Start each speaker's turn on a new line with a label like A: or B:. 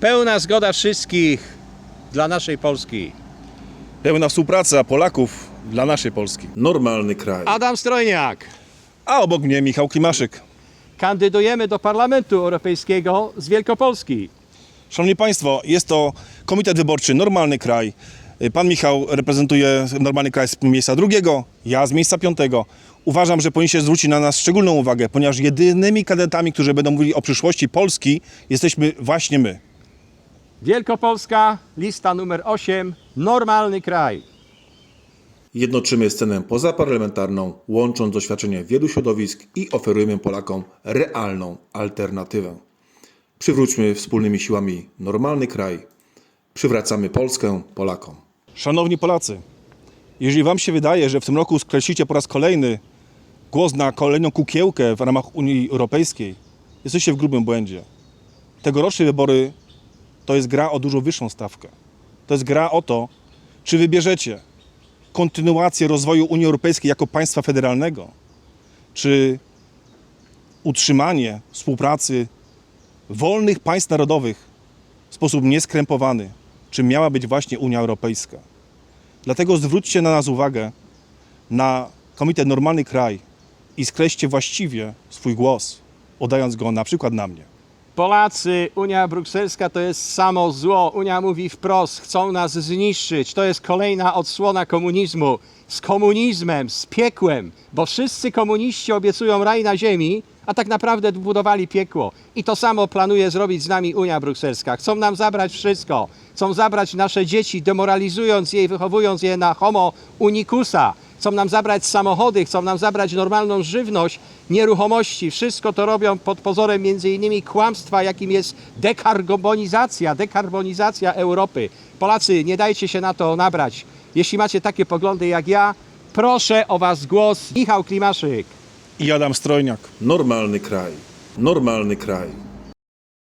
A: Pełna zgoda wszystkich dla naszej Polski.
B: Pełna współpraca Polaków dla naszej Polski.
C: Normalny kraj.
A: Adam Strojniak.
B: A obok mnie Michał Klimaszyk.
A: Kandydujemy do Parlamentu Europejskiego z Wielkopolski.
B: Szanowni Państwo, jest to Komitet Wyborczy Normalny Kraj. Pan Michał reprezentuje Normalny Kraj z miejsca drugiego, ja z miejsca piątego. Uważam, że powinniście zwrócić na nas szczególną uwagę, ponieważ jedynymi kandydatami, którzy będą mówili o przyszłości Polski, jesteśmy właśnie my.
A: Wielkopolska, lista numer 8, Normalny Kraj.
C: Jednoczymy scenę pozaparlamentarną, łącząc doświadczenie wielu środowisk i oferujemy Polakom realną alternatywę. Przywróćmy wspólnymi siłami normalny kraj. Przywracamy Polskę Polakom.
B: Szanowni Polacy, jeżeli Wam się wydaje, że w tym roku skreślicie po raz kolejny głos na kolejną kukiełkę w ramach Unii Europejskiej, jesteście w grubym błędzie. Tegoroczne wybory to jest gra o dużo wyższą stawkę. To jest gra o to, czy wybierzecie kontynuację rozwoju Unii Europejskiej jako państwa federalnego, czy utrzymanie współpracy wolnych państw narodowych w sposób nieskrępowany, czym miała być właśnie Unia Europejska. Dlatego zwróćcie na nas uwagę, na Komitet Normalny Kraj i skreślcie właściwie swój głos, oddając go na przykład na mnie.
A: Polacy, Unia Brukselska to jest samo zło. Unia mówi wprost, chcą nas zniszczyć. To jest kolejna odsłona komunizmu. Z komunizmem, z piekłem, bo wszyscy komuniści obiecują raj na ziemi, a tak naprawdę budowali piekło. I to samo planuje zrobić z nami Unia Brukselska. Chcą nam zabrać wszystko. Chcą zabrać nasze dzieci, demoralizując je i wychowując je na homo unicusa. Chcą nam zabrać samochody, chcą nam zabrać normalną żywność, nieruchomości. Wszystko to robią pod pozorem między innymi kłamstwa, jakim jest dekarbonizacja Europy. Polacy, nie dajcie się na to nabrać. Jeśli macie takie poglądy jak ja, proszę o was głos. Michał Klimaszyk.
B: I Adam Strojniak.
C: Normalny kraj. Normalny kraj.